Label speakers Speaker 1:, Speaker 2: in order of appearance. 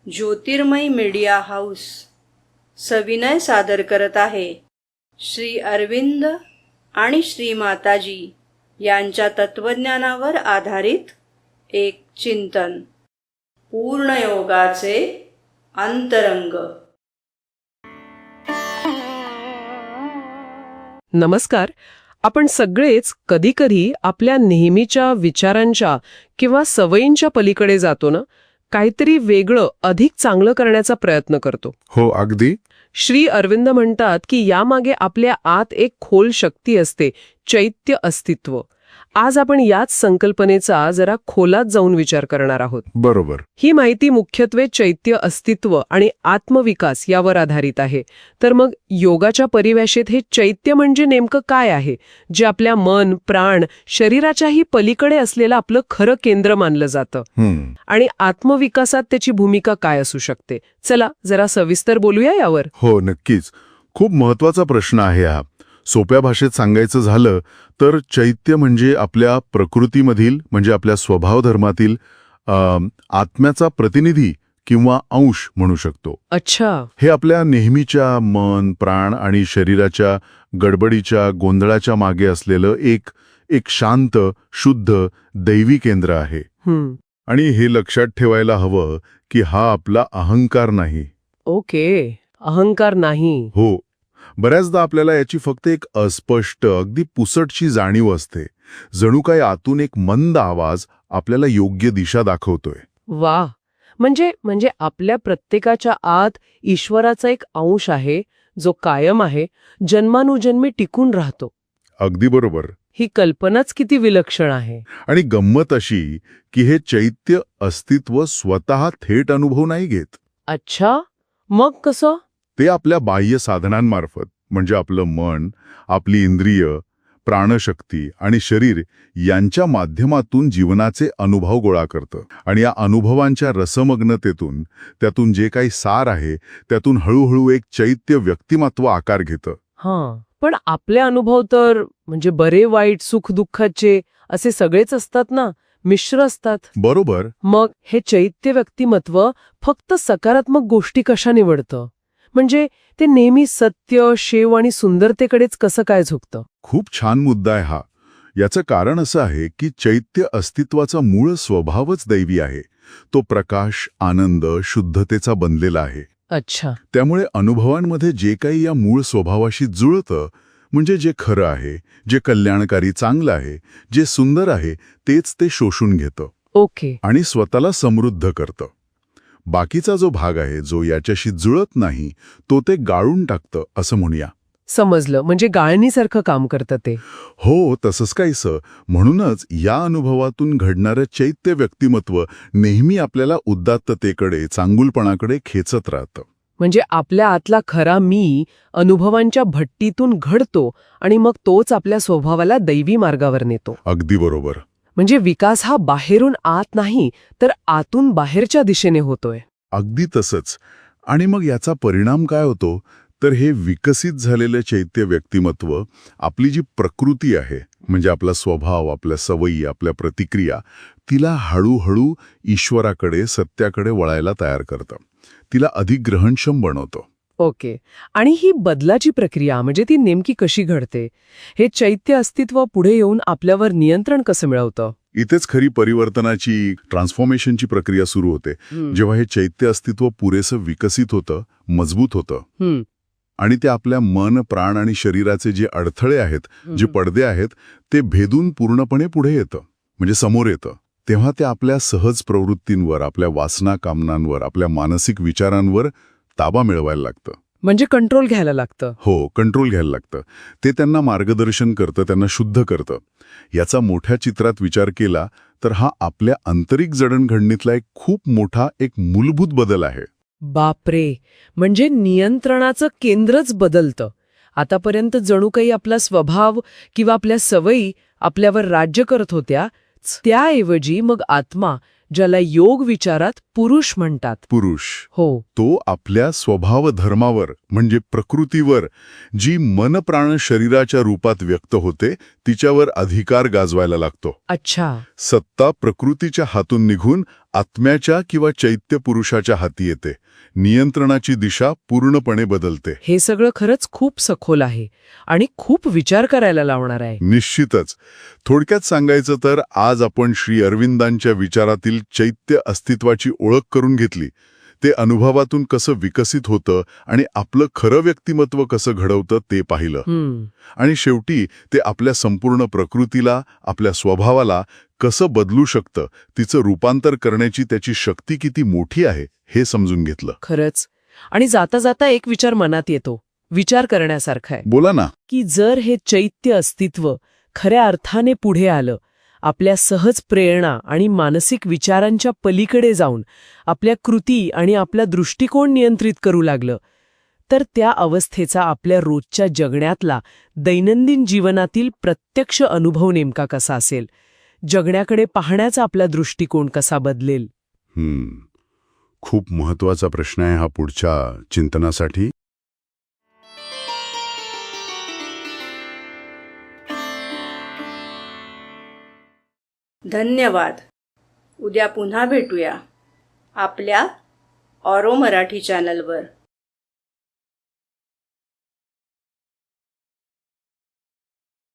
Speaker 1: ज्योतिर्मय media house सविनय सादर करत आहे श्री अरविंद आणि श्री माताजी यांच्या तत्वज्ञानावर आधारित एक चिंतन. पूर्णयोगाचे अंतरंग.
Speaker 2: नमस्कार. आपण सगळेच कधीकधी आपल्या नेहमीच्या विचारांच्या किंवा सवयींच्या पलीकडे जातो ना, काहीतरी वेगळं अधिक चांगलं करण्याचा प्रयत्न करतो.
Speaker 3: हो, अगदी.
Speaker 2: श्री अरविंद म्हणतात की यामागे आपल्या आत एक खोल शक्ती असते, चैत्य अस्तित्व. आज आपण याच संकल्पनेचा जरा खोलात जाऊन विचार करणार आहोत.
Speaker 3: बरोबर.
Speaker 2: ही माहिती मुख्यत्वे चैत्य अस्तित्व आणि आत्मविकास यावर आधारित आहे. तर मग योगाच्या परिभाषेत हे चैत्य म्हणजे नेमकं काय आहे, जे आपल्या मन, प्राण, शरीराच्याही पलीकडे असलेलं आपलं खरं केंद्र मानलं जातं? आणि आत्मविकासात त्याची भूमिका काय असू शकते? चला जरा सविस्तर बोलूया यावर.
Speaker 3: हो, नक्कीच. खूप महत्वाचा प्रश्न आहे हा. सोप्या भाषेत सांगायचं झालं तर चैत्य म्हणजे आपल्या प्रकृतीमधील, म्हणजे आपल्या स्वभाव धर्मातील आत्म्याचा प्रतिनिधी किंवा अंश म्हणू शकतो.
Speaker 2: अच्छा.
Speaker 3: हे आपल्या नेहमीच्या मन, प्राण आणि शरीराच्या गडबडीच्या गोंधळाच्या मागे असलेलं एक शांत, शुद्ध, दैवी केंद्र आहे. आणि हे लक्षात ठेवायला हवं की हा आपला अहंकार नाही.
Speaker 2: ओके, अहंकार नाही.
Speaker 3: हो. बऱ्याचदा आपल्याला याची फक्त एक अस्पष्ट, अगदी पुसटशी जाणीव असते. जणू काही आतून एक मंद आवाज आपल्याला योग्य दिशा दाखवतोय.
Speaker 2: वा. म्हणजे आपल्या प्रत्येकाच्या आत ईश्वराचा एक अंश आहे, जो कायम आहे, जन्मानुजन्मी टिकून राहतो.
Speaker 3: अगदी बरोबर.
Speaker 2: ही कल्पनाच किती विलक्षण आहे.
Speaker 3: आणि गंमत अशी की हे चैत्य अस्तित्व स्वतः थेट अनुभव नाही घेत.
Speaker 2: अच्छा, मग कसं?
Speaker 3: ते आपल्या बाह्य साधनांमार्फत, म्हणजे आपलं मन, आपली इंद्रिय, प्राणशक्ती आणि शरीर यांच्या माध्यमातून जीवनाचे अनुभव गोळा करतं. आणि या अनुभवांच्या रसमग्नतेतून, त्यातून जे काही सार आहे, त्यातून हळूहळू एक चैत्य व्यक्तिमत्व आकार घेतं.
Speaker 2: हां, पण आपले अनुभव तर म्हणजे बरे वाईट, सुख दुःखाचे असे सगळेच असतात ना, मिश्र असतात.
Speaker 3: बरोबर.
Speaker 2: मग हे चैत्य व्यक्तिमत्व फक्त सकारात्मक गोष्टी कशा निवडतं? म्हणजे ते नेहमी सत्य, शेव आणि सुंदरतेकडेच कसं काय झुकतं?
Speaker 3: खूप छान मुद्दा आहे हा. याचं कारण असं आहे की चैत्य अस्तित्वाचा मूळ स्वभावच दैवी आहे. तो प्रकाश, आनंद, शुद्धतेचा बनलेला आहे.
Speaker 2: अच्छा.
Speaker 3: त्यामुळे अनुभवांमध्ये जे काही या मूळ स्वभावाशी जुळतं, म्हणजे जे खरं आहे, जे कल्याणकारी, चांगलं आहे, जे सुंदर आहे, तेच ते शोषून घेतं.
Speaker 2: ओके.
Speaker 3: आणि स्वतःला समृद्ध करतं. बाकीचा जो भाग आहे, जो याच्याशी जुळत नाही, तो ते गाळून टाकतं, असं म्हणूया.
Speaker 2: समजलं. म्हणजे गाळणीसारखं काम करतं ते.
Speaker 3: हो, तसंच काहीसं. म्हणूनच या अनुभवातून घडणारं चैत्य व्यक्तिमत्व नेहमी आपल्याला उदात्ततेकडे, चांगुलपणाकडे खेचत राहतं.
Speaker 2: म्हणजे आपल्या आतला खरा मी अनुभवांच्या भट्टीतून घडतो आणि मग तोच आपल्या स्वभावाला दैवी मार्गावर नेतो.
Speaker 3: अगदी बरोबर.
Speaker 2: म्हणजे विकास हा बाहेरून आत नाही, तर आतून बाहेरच्या दिशेने होतोय.
Speaker 3: अगदी तसंच. आणि मग याचा परिणाम काय होतो, तर हे विकसित झालेलं चैत्य व्यक्तिमत्व आपली जी प्रकृती आहे, म्हणजे आपला स्वभाव, आपल्या सवयी, आपल्या प्रतिक्रिया, तिला हळूहळू ईश्वराकडे, सत्याकडे वळायला तयार करतं. तिला अधिक ग्रहणक्षम बनवतं.
Speaker 2: ओके. आणि ही बदलाची प्रक्रिया म्हणजे ती नेमकी कशी घडते? हे चैत्य अस्तित्व पुढे येऊन आपल्यावर नियंत्रण कसं मिळवतं?
Speaker 3: इथेच खरी परिवर्तनाची, ट्रान्सफॉर्मेशनची प्रक्रिया सुरू होते. जेव्हा हे चैत्य अस्तित्व पुरेसं विकसित होतं, मजबूत होतं, आणि ते आपल्या मन, प्राण आणि शरीराचे जे अडथळे आहेत, जे पडदे आहेत, ते भेदून पूर्णपणे पुढे येतं, म्हणजे समोर येतं. तेव्हा ते आपल्या सहज प्रवृत्तींवर, आपल्या वासना, कामनांवर, आपल्या मानसिक विचारांवर ताबा मिळवायला लागतं.
Speaker 2: म्हणजे कंट्रोल घ्यायला लागतं.
Speaker 3: हो, कंट्रोल घ्यायला लागतं. ते त्यांना मार्गदर्शन करतं, त्यांना शुद्ध करतं. याचा मोठ्या चित्रात विचार केला तर हा आपल्या आंतरिक जडणघडणीतला एक खूप मोठा, एक मूलभूत बदल आहे.
Speaker 2: बापरे. म्हणजे नियंत्रणाचं केंद्रच बदलतं. आतापर्यंत जणू काही आपला स्वभाव किंवा आपल्या सवयी आपल्यावर राज्य करत होत्या, त्याऐवजी मग आत्मा, ज्याला योग विचारात पुरुष म्हणतात.
Speaker 3: पुरुष.
Speaker 2: हो.
Speaker 3: तो आपल्या स्वभाव धर्मावर, म्हणजे प्रकृतीवर, जी मन प्राण शरीराच्या रूपात व्यक्त होते, तिच्यावर अधिकार गाजवायला लागतो.
Speaker 2: अच्छा.
Speaker 3: सत्ता प्रकृतीच्या हातून निघून आत्म्याच्या किंवा चैत्य पुरुषाच्या हाती येते. नियंत्रणाची दिशा पूर्णपणे बदलते.
Speaker 2: हे सगळं खरंच खूप सखोल आहे आणि खूप विचार करायला लावणार आहे.
Speaker 3: निश्चितच. थोडक्यात सांगायचं तर आज आपण श्री अरविंदांच्या विचारातील चैत्य अस्तित्वाची ओळख करून घेतली. ते अनुभवातून कसं विकसित होतं आणि आपलं खरं व्यक्तिमत्व कसं घडवतं ते पाहिलं. आणि शेवटी ते आपल्या संपूर्ण प्रकृतीला, आपल्या स्वभावाला कसं बदलू शकतं, तिचं रूपांतर करण्याची त्याची शक्ती किती मोठी आहे हे समजून घेतलं.
Speaker 2: खरंच. आणि जाता जाता एक विचार मनात येतो, विचार करण्यासारखा आहे,
Speaker 3: बोला ना.
Speaker 2: की जर हे चैत्य अस्तित्व खऱ्या अर्थाने पुढे आलं, आपल्या सहज प्रेरणा आणि मानसिक विचारांच्या पलीकडे जाऊन आपल्या कृती आणि आपला दृष्टिकोन नियंत्रित करू लागलं, तर त्या अवस्थेचा आपल्या रोजच्या जगण्यातला, दैनंदिन जीवनातील प्रत्यक्ष अनुभव नेमका कसा असेल, जगण्याकडे पाहण्याचा आपला दृष्टिकोन कसा बदलेल.
Speaker 3: खूप महत्वाचा प्रश्न आहे हा पुढच्या चिंतनासाठी.
Speaker 1: धन्यवाद. उद्या पुन्हा भेटूया आपल्या ऑरो मराठी चॅनलवर.